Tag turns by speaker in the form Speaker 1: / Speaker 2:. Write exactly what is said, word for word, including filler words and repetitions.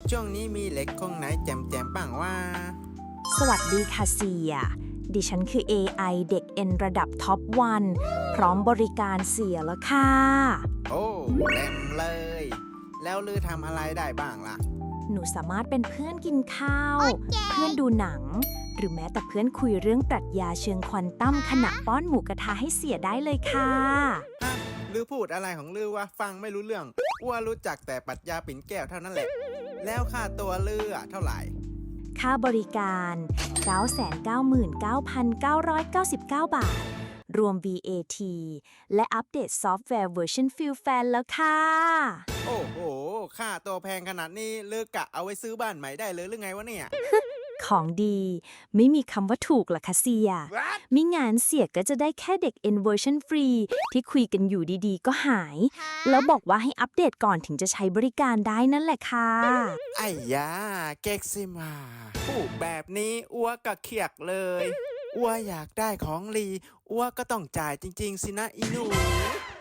Speaker 1: ช่วงนี้มีเหล็กคงไหนแจมๆบ้างว่า
Speaker 2: สวัสดีค่ะเสีย ดิฉันคือ เอ ไอ เด็กเอ็นระดับท็อปวันพร้อมบริการเสียแล้วค่ะ
Speaker 1: โอ้เต็มเลย แล้วลือทำอะไรได้บ้างล่ะ
Speaker 2: หนูสามารถเป็นเพื่อนกินข้าว เพื่อนดูหนัง หรือแม้แต่เพื่อนคุยเรื่องปรัชญาเชิงควอนตัมขณะป้อนหมูกระทะให้เสียได้เลยค่ะ
Speaker 1: ฮะลือพูดอะไรของลือวะฟังไม่รู้เรื่องอ้วรู้จักแต่ปรัชญาปิ่นแก้วเท่านั้นแหละ แล้วค่าตัวลืออะเท่าไหร่
Speaker 2: ค่าบริการ เก้าแสนเก้าหมื่นเก้าพันเก้าร้อยเก้าสิบเก้า บาท รวม วี เอ ที และอัปเดตซอฟต์แวร์เวอร์ชันฟิลแฟนแล้วค่ะ
Speaker 1: โอ้โห ค่าตัวแพงขนาดนี้ลือกะเอาไว้ซื้อบ้านใหม่ได้เลยหรือไงวะเนี่ย
Speaker 2: ของดี ไม่มีคำว่าถูกหรอกค่ะเสีย
Speaker 1: What?
Speaker 2: มิงานเสียก็จะได้แค่เด็ก N version ฟรีที่คุยกันอยู่ดีๆ ก็หาย แล้วบอกว่าให้อัปเดตก่อนถึงจะใช้บริการได้นั่นแหละค่ะ
Speaker 1: ไอ้ยาเก๊กซิมาพูดแบบนี้อ้วกะเขียกเลยอ้วอยากได้ของลีอ้วก็ต้องจ่ายจริงๆสินะอีหนู